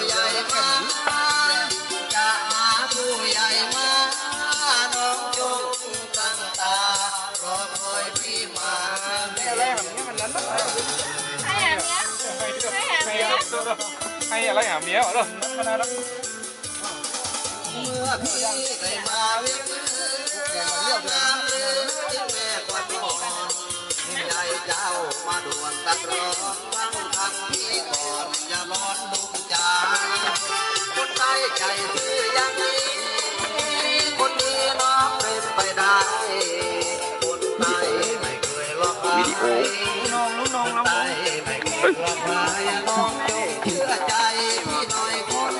ใหญ่มาจะหาผู้ใหญ่มาน้องจงตั้งตารอคอยพี่มาอะไรแบบนี้มันนั้นให้แหมเนี้ยให้แหมเนี้ยให้อะไรหาเมียเหรอมันอะไรเมื่อพี่ได้มาวิ่งงามเรือแม่กวาดทองใจเจ้ามาด่วนตัดรองฟังคำพี่ก่อนอย่าร้อนดุใจคนใจใจซื่ออย่างนี้คนนี้น้องเป็นไปได้คนใจไม่เคยหลอกใครน้องใจไม่เคยหลอกใครน้องจงเชื่อใจพี่หน่อยคน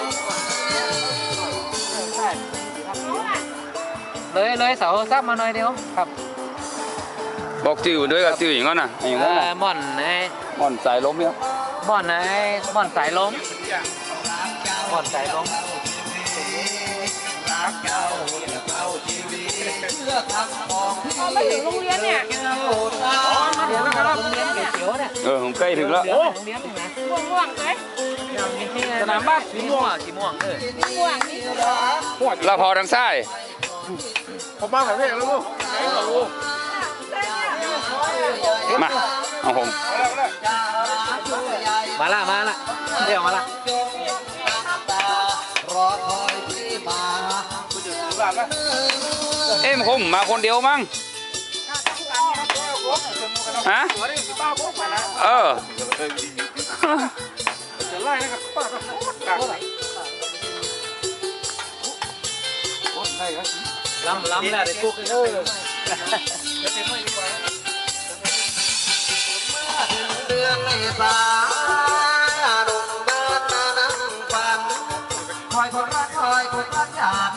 เลยเสาซับมาหน่อยเดียวครับบอกจื่อด้วยกับจื่ออย่างนั้นน่ะอย่างนั้นม่อนไอ้ม่อนสายล้มเนี่ยม่อนไอ้ม่อนสายล้มม่อนสายล้มรักเจ้าเจ้าชีวิตเพื่อทำของพี่พอมาถึงโรงเรียนเนี่ยมาถึงแล้วครับโรงเรียนเขียวเนี่ยผมใกล้ถึงแล้วโรงเรียนนี่นะม่วงเลยสนามบ้านสีม่วงม่วงนี่เราพอทางซ้ายผมมาแบบนี้แล้วลูกมาเอาผมมาละเดี๋ยวมาละรอคอยพี่มามันคงมาคนเดียวมั้งฮะจะไล่นะครับป้าก็กลางคนไทยครับล้ำแล้วได้พวกเมื่อถึงเดือนเมษาดงเดินมานั่งฟังคอยคนรักคอยคนรักอยาก